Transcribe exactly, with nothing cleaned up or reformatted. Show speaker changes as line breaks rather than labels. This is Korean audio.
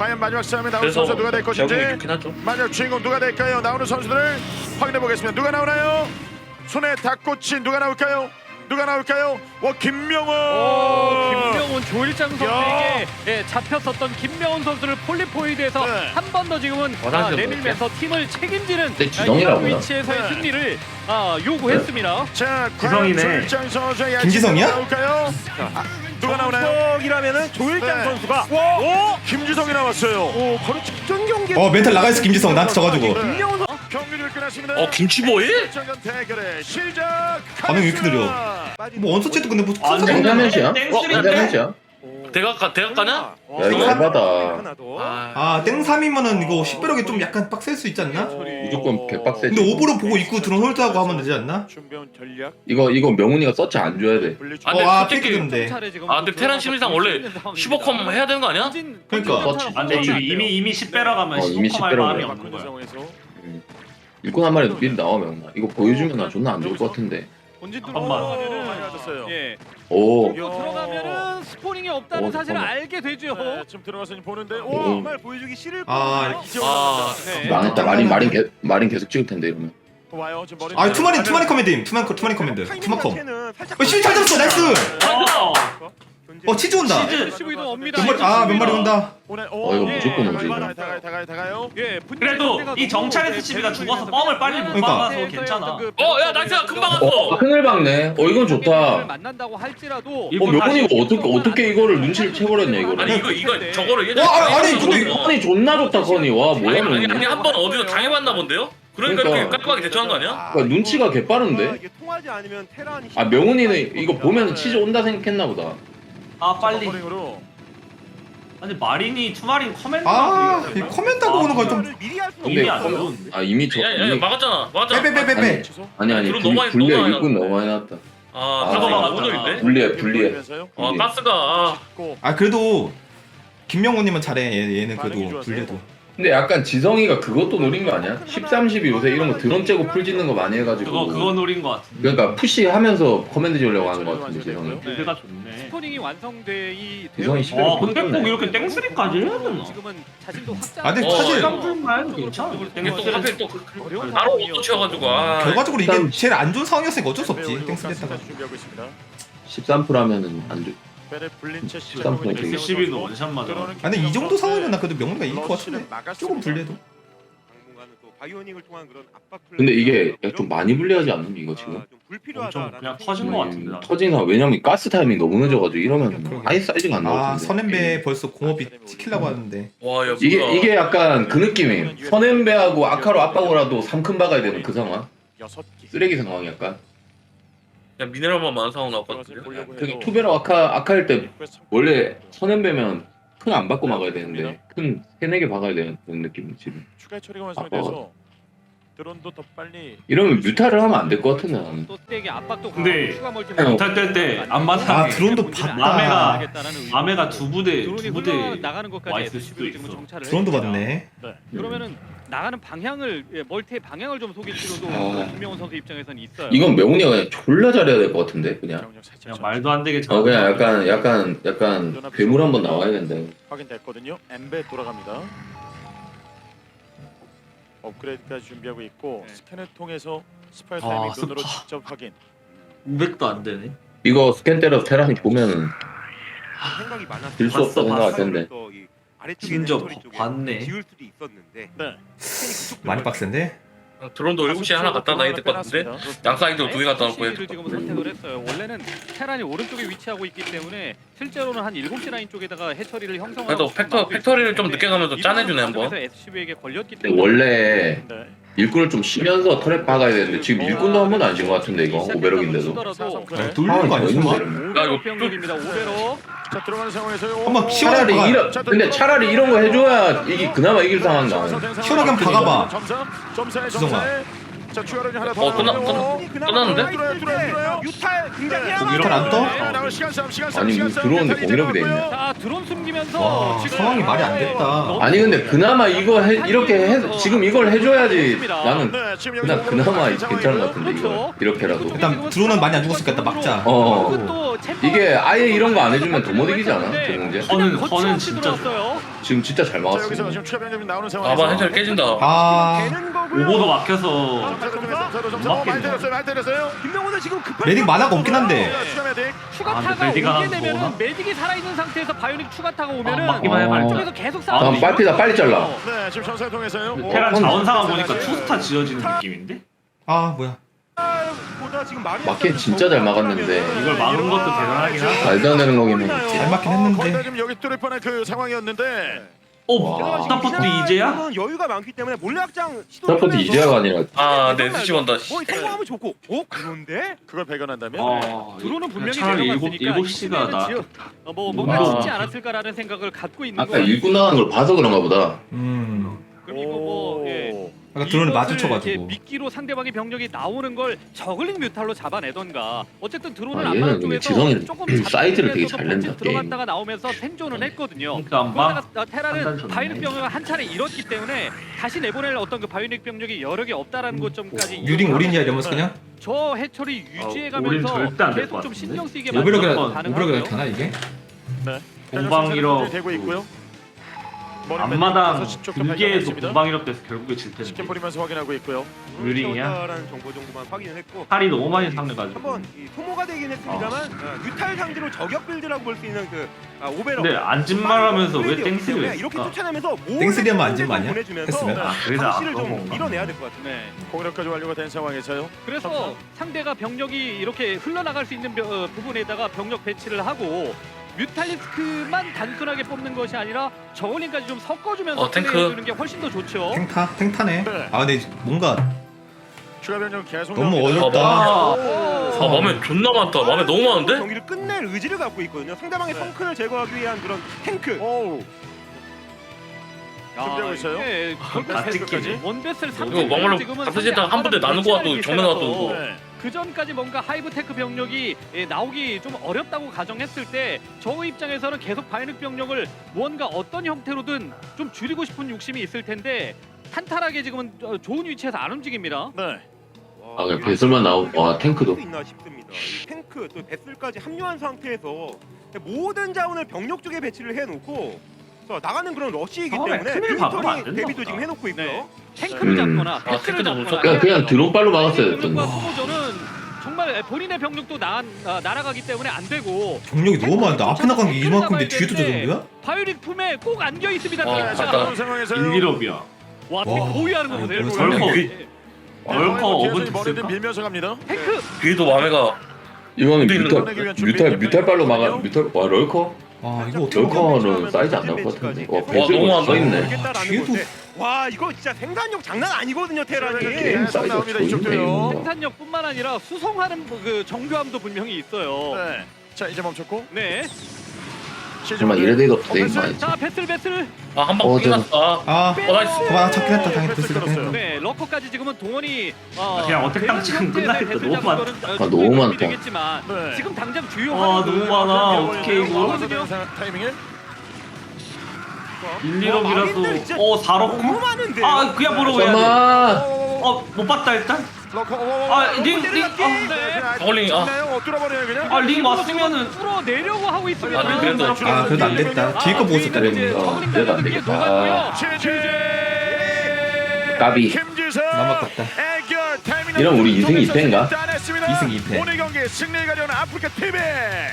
과연 마지막 싸움에 나오는
그래서
선수 누가 될 것인지,
결국은 좋긴 하죠.
마지막 주인공 누가 될까요? 나오는 선수들을 확인해 보겠습니다. 누가 나오나요? 손에 닭꼬치 누가 나올까요? 누가 나올까요? 와 김명훈.
오, 김명훈 조일장 선수에게 예, 잡혔었던 김명훈 선수를 폴리포이드에서
네.
한 번 더 지금은 아,
화장실
내밀면서 팀을 책임지는
네,
아,
지성이라고
이런 위치에서의
네.
승리를 아, 요구했습니다.
자,
지성이네.
조일장 선수의
김지성이야?
나올까요? 아, 누가 나오나요?
이라면은 조일장
네.
선수가
와,
오!
김지성이 나왔어요.
오, 바로 직전 경기.
어 멘탈 나가있어 김지성 나한테 져가지고.
김명훈 선수
경기를 끝났습니다.
어 김치보이?
정전 대결의 시작.
반응이 왜 이렇게 느려? 뭐 원서치도 근데 뭐
아,
큰
땡사면시야?
땡쓰리
땡사면시야?
대각 대각 가냐?
야 이거 알바다.
아,
아 땡삼이면은 이거 식별하기 좀 약간 빡셀 수 있지 않나?
무조건 개빡세지.
근데 오버로 보고 입구 드론 홀드하고 하면 되지 않나?
준비한 전략.
이거 이거 명훈이가 서치 안 줘야 돼.
분리치-
아, 근데
어, 아,
솔직히
팩트인데.
아 근데 테란 심리상 원래 십오 컴 해야 되는 거 아니야?
그러니까.
아, 근데 이미 이미 이미 십 배러 가면
어, 이미
십오 할
십 배러
마음이
가면.
없는 거야.
상황에서
일꾼 한 마리 미리 나오면 이거 보여주면 나 존나 안 좋을 것 같은데.
본진
잠깐만.
들어가면은
많이 맞았어요.
예,
오.
또 들어가면은 스포닝이 없다는
어,
사실을
잠깐만.
알게 되죠.
네, 지금 들어가서 보는데
오.
오,
정말 보여주기 싫을
아,
거예요.
아,
네.
망했다. 마린 마린 개 마린 계속 찍을 텐데 이러면.
와요. 지금 머리.
아 투마리 투마리 커맨드임 투마리 커- 투마리 커맨드 투마컴.
살짝
어 시비 잘 잡았어 나이스.
어.
어 치즈 온다.
에스씨브이도 옵니다.
몇 마리 아몇 마리 온다.
오늘
어, 이거
다가요,
무조건 오지, 이거.
다가요, 다가요, 다가요.
예,
그래도 이 정찰 에스씨비가 죽어서 뻥을 빨리 못
그러니까.
박아서 괜찮아.
어, 야, 나이스야, 금방 왔어.
어 큰일 박네. 어 이건 좋다.
만난다고 할지라도
어 명훈이가 어떻게 어떻게 이거를 눈치를 채버렸냐 이거를.
아니 이거 이거 저거를 예전에
와, 아니, 아니,
당해봤나
근데
보다.
컨이 존나 좋다 컨이. 와
아니
뭐야
아니 아니
명훈이.
한 번 어디서 당해봤나 본데요? 그러니까,
그러니까.
이렇게 깔끔하게 대처한 거 아니야?
그러니까 눈치가 개빠른데.
이게 통하지 않으면 테란이
아 명훈이는 이거 보면 치즈 온다 생각했나 보다.
아 빨리.
버링으로.
아니 마린이 투마린 커맨드.
아이 커맨드하고 오는 거 좀.
미리 할수
근데
이미 안
컴-
좋은데.
아 이미 저
야, 야, 야,
이미
막았잖아, 막았잖아.
빼빼빼빼빼.
취소.
아니 아니
드론
불-
너무 많이-
불리해
너무 많이
일꾼
나왔다.
너무 많이 나왔다.
아,
아,
가져가
맞다.
오늘인데.
불리해 불리해.
보이면서요.
아, 가스가 아,
고.
아 그래도 김명훈님은 잘해. 얘, 얘는
반응이
그래도
좋았어요.
불리도.
근데 약간 지성이가 그것도 노린 거 아니야? 십삼, 십이 요새 이런 거 드론 째고 풀 짓는 거 많이 해가지고.
그거 그거 노린 거 같은데.
그러니까 푸시하면서 커맨드 지으려고 하는 거 같은데 지성이.
빌드가 좋네.
스포닝이 완성돼
이성이
이
시대를
어 근데 꼭 이렇게 땡쓰리까지 해야 되나?
지금은 자신도 확장.
아 근데
어,
사실
깜짝만 해도 괜찮아.
이게 또 하필 또
어려운
바로
상황이어서
못 치워가지고 아.
결과적으로 이게
일단-
제일 안 좋은 상황이었으니까 어쩔 수 없지.
배우
땡스
가스
했다가.
준비하고 있습니다.
십삼 퍼센트 하면은 안 돼.
배를 불린 채
십삼 퍼센트 되게-
에스씨비도 원샷 맞아.
아 근데 이 정도 상황이면 나 그래도 명훈이가 이길 것 같은데. 조금 불리해도.
당분간은 또 바이오닉을 통한 그런 압박 플레이.
근데 이게 좀 많이 불리하지 않는 이거 지금?
좀 불필요하다.
엄청 그냥 터진 거 같은데. 나.
터진 상황 왜냐면 가스 타이밍 너무 늦어가지고 이러면
그러게.
아예 사이즈가 안
아
나오던데.
선앤배 벌써 공업이 찍히려고 하는데.
와, 야,
이게
뭐야.
이게 약간 그 느낌이 선앤배하고 아카로 압박으로라도 삼 큰 박아야 되는 그 상황.
여섯 개.
쓰레기 상황이 약간.
야, 미네랄만 많은 상황 나왔거든요.
그 투베라 아카 아카일 때 원래 선앤배면 큰 안 받고 막아야 되는데 큰 세네 개 박아야 되는 그런 느낌 지금.
추가 처리가 완성이 돼서 드론도 더 빨리.
이러면 뮤타를 하면 안 될 것 같은데 나는.
또 때에게 압박도
근데
강하고 추가 멀티
어.
못할 때때 안마당.
아 드론도 봤다.
아메가- 아메가 두 부대
드론이
두 부대
흘러나가는
와
것까지
있을 수도
에스씨브이를 지금
있어.
정찰을
드론도
했습니다.
봤네.
네.
그러면은 나가는 방향을 예, 멀티의 방향을 좀 속일 필요도
아.
김명훈 선수 입장에서는 있어요.
이건 명훈이가 그냥 졸라 잘해야 될 것 같은데 그냥.
경력 살짝
그냥 말도 안 되게
어 그냥 약간 약간 약간 괴물 한번 나와야 된대.
확인됐거든요. 엠베 돌아갑니다. 업그레이드까지 준비하고 있고
네.
스캔을 통해서 스파이
아,
타이밍 눈으로
스파.
직접 확인.
오백도 안 되네.
이거 스캔 때려서 테란이 보면은
생각이 많았어.
질 수 없다 생각할 텐데.
진짜 봤네.
지울 수도 있었는데.
네.
많이 빡센데.
드론도 일곱 시에 하나 갖다 놔야 될 것 같은데. 양사이드로 두 개 갖다 놓고 해야
를
될
지금
것 같은데.
선택을 했어요. 원래는 테란이 오른쪽에 위치하고 있기 때문에 실제로는 한 일곱 시 라인 쪽에다가 해처리를 형성하고
그래도 팩터 팩토리를 좀 늦게 가면서 짜내주네 한번.
에스씨브이에게 걸렸기
근데
때문에
원래
네.
일꾼을 좀 쉬면서 터렛 박아야 되는데 지금 일꾼도 한 번도 안 진 것 같은데 이거 오베럭인데도.
네.
돌리는 거 아니야 설마?
야, 이거
오병률입니다. 오베로.
자 들어가는 상황에서요.
한번 시원하게
차라리
박아.
이런 근데 차라리 이런 거 해줘야 이게 그나마 이길 상황 나와요.
시원하게 한번 박아봐.
점사, 점사에
지성아.
점사에. 자 추가로 하나 더.
어, 끝나-
나오고요.
끝나- 끝났는데?
들어요, 들어요, 들어요.
유탈 굉장히
네.
거기로 안 떠?
네, 나올 시간 싸움, 시간 싸움,
아니,
시간
뭐
싸움.
들어오는데
멘탈이
공격이 돼 있네.
들어갔고요.
자 드론 숨기면서
와,
지금
상황이 말이 안 됐다.
아니 근데 그나마 이거 해, 이렇게 해 지금 이걸 해줘야지 나는
네, 지금
그냥
여기서
그나마
올라가는
괜찮은 것 같은데 이거
그렇죠.
이렇게라도.
일단 드론은 많이 안 죽었으니까 일단 막자.
어. 이게 아예 이런 거 안 해주면 더 못 이기지 않아? 저 문제?
허는- 허는 진짜
들어왔어요.
지금 진짜 잘
자 여기서
막았어요.
지금 추가 변경이 나오는 상황에서
아마 해철 깨진다.
아
되는 거고요.
오버도 막혀서
점차로 좀 했어요. 점차로 점차. 어, 많이 때렸어요. 많이 때렸어요.
김명훈은 지금 급한
메딕 만화가 없긴 한데.
자, 추가 메딕.
추가타가
아, 근데 메디가
오게 되면은
나오나?
메딕이 살아있는 상태에서 바이오닉 추가타가
아,
오면은
막기만 해
아.
말자.
쪽에서 계속
아,
싸우고
다음 빨피다 빨리 잘라.
네 지금 전사를 통해서요. 오,
테란
어,
자원 상황
어,
보니까
어,
투스타 지어지는 느낌인데?
아 뭐야.
보다 지금 마리아
마켓 진짜 잘 막았는데.
이걸 막은 것도 대단하긴 하다.
말도 안 되는 거긴 해.
잘 맞긴 했는데.
거의 다 지금 여기 뚫릴 뻔한 그 상황이었는데.
어?
와.
스타포트 이제야?
여유가 많기 때문에 몰래 확장 시도.
스타포트 이제야가 아니라
아, 네, 수시원다.
뭐 성공하면 좋고. 어 그런데
그걸 발견한다면.
아,
드론은 분명히
차라리 일곱
내려갔으니까
일곱 시가 나.
어, 뭐 뭔가
아.
짓지 않았을까라는 생각을 갖고 있는
아까
거예요.
일꾼 나가는 걸 봐서 그런가 보다.
음.
그리고 뭐 예.
아까 드론을
이것을 이제
마주쳐가지고.
미끼로 상대방의 병력이 나오는 걸 저글링 뮤탈로 잡아내던가 어쨌든 드론을
아,
안
얘는
맞은
근데
쪽에서
지성이
조금
사이즈를 되게
잡히면서도
잘 낸다,
본진 들어갔다가 나오면서 생존은 했거든요.
그러니까 아마
그러다가 테라는
판단 좋네.
바이오닉 병력을 한 차례 잃었기 때문에 다시 내보낼 어떤 그 바이오닉 병력이 여력이 없다라는 것점까지
유링 올인이야 이러면서 그냥
저 해철이
올인
유지해가면서
절대 안될
계속
것
좀
같은데?
신경 쓰이게
오버로그라
가능하고요.
오버로그라 되나 이게?
네.
공방이러
되고 있고요.
앞마당 두 개에서 공방이럽 돼서 결국에 질
치킨
텐데.
뿌리면서 확인하고 있고요.
유링이야?
라는 정보 정도만 확인을 했고.
팔이 너무 많이 상해가지고.
한번 이 소모가 되긴 했습니다만 어, 뮤탈 상대로 저격 빌드라고 볼 수 있는 그 아, 오베러.
근데 안진말하면서 왜 땡스를
이렇게
했을까?
쫓아내면서
땡스리하면 안진마 아니야? 했으면?
아, 그래서
상실을
아까운
좀
건가?
밀어내야 될 것 같아요.
네.
공격까지 완료가 된 상황에서요.
그래서 상대가 병력이 이렇게 흘러나갈 수 있는 벼- 어, 부분에다가 병력 배치를 하고 뮤탈리스크만 단순하게 뽑는 것이 아니라 저울링까지 좀 섞어주면서
어, 탱크.
플레이해주는 게 훨씬 더 좋죠.
탱타 탱타네.
네.
아 근데 뭔가
추가 변경 계속
너무
나옵니다.
어렵다.
아,
오.
아, 맘에 존나 많다. 맘에 너무 많은데?
경기를 끝낼 의지를 갖고 있거든요. 상대방의
네.
성큰을 제거하기 위한 그런 탱크.
오우.
아,
준비하고 있어요?
이게 결국
다
세-
찍히네.
원베스를
이거
삼
막말로 갑자기다가 한 분대 나누고 와도 정면 와도
네.
그 전까지 뭔가 하이브테크 병력이 예, 나오기 좀 어렵다고 가정했을 때 저 입장에서는 계속 바이닉 병력을 무언가 어떤 형태로든 좀 줄이고 싶은 욕심이 있을 텐데 탄탄하게 지금은 어, 좋은 위치에서 안 움직입니다.
네.
아, 그냥 배설만 나오고, 와, 탱크도.
있나 싶습니다. 이 탱크 또 배슬까지 합류한 상태에서 모든 자원을 병력 쪽에 배치를 해놓고 자, 나가는 그런 러시이기
처음에
때문에
큰일 박으면 안
빅토리
된다
대비도
보다.
지금 해놓고 있고요.
네. 탱크를
음.
잡거나
아,
패스를
탱크도 못
잡거나
쳤다.
그냥 그냥 드론빨로 막았어야 됐던
병력과
거.
소모전은 정말 본인의 병력도 나, 아, 날아가기 때문에 안 되고
병력이 너무 많은데 앞에 나간 게 이만큼인데 뒤에도 저 정도야?
바이오닉 품에 꼭 안겨 있습니다.
어,
탱크가.
자,
아까
그런 상황에서요.
일기럽이야.
와,
와.
보유하는 거 보세요.
아니,
이거.
벌컥.
네.
얼커
뒤에서
어버트
머리를
쓸까?
밀면서 갑니다.
탱크
뒤에도 맘에가
이거는
우리는
뮤탈 뮤탈 뮤탈빨로 막아 뮤탈 와 럴커
아 이거 어떻게 막아?
럴커는 사이즈 안 나올 것 같은데. 와 배슬
너무 안
써 있네.
모르겠다라는
뒤에도-
건데 와 이거 진짜 생산력 장난 아니거든요 테란이.
계속
사이즈가
나옵니다.
좋네,
이쪽도요.
이거.
생산력뿐만 아니라 수송하는 그 정교함도 분명히 있어요.
네. 자 이제 멈췄고.
네.
정말 이래도 없어 되게 많이.
자, 배틀 배틀.
아, 한 방
어,
끝났다.
아
어, 나이스.
그만 잡긴 했다 당연히
패스
패스가
끊었어요.
네, 러커까지 지금은 동원이 어,
그냥 어택
되는
당직은
형태의
끝나겠다.
배틀
너무 많다.
작전은, 어,
아,
충분히
너무
도움이
많다.
되겠지만
네.
지금 당장 주요
와
화두는
너무 많아.
밀어버리는
어떻게 이거?
거거든요.
타이밍에
일, 일억이라도 어 사 억?
너무 많은데요.
아 그냥 보러 해야 돼.
잠깐만.
어못 봤다 일단.
러커.
아, 링, 링, 아,
네.
저글링이, 아.
어 뚫어버려요 그냥.
아 링 왔으면은
뚫어 내려고 하고 있습니다.
아, 네, 그래도
아 그래도 안 됐다. 뒤에 거 보고 있었다
이제
그랬는데.
저글링
그래도 안
날리는 게
되겠다.
녹았고요.
최재.
까비.
김지성.
남았다.
애결 타이밍.
이런 우리 이승이 이패인가?
따냈습니다.
이승 이 패.
오늘 경기 승리를 가져오는 아프리카 티비.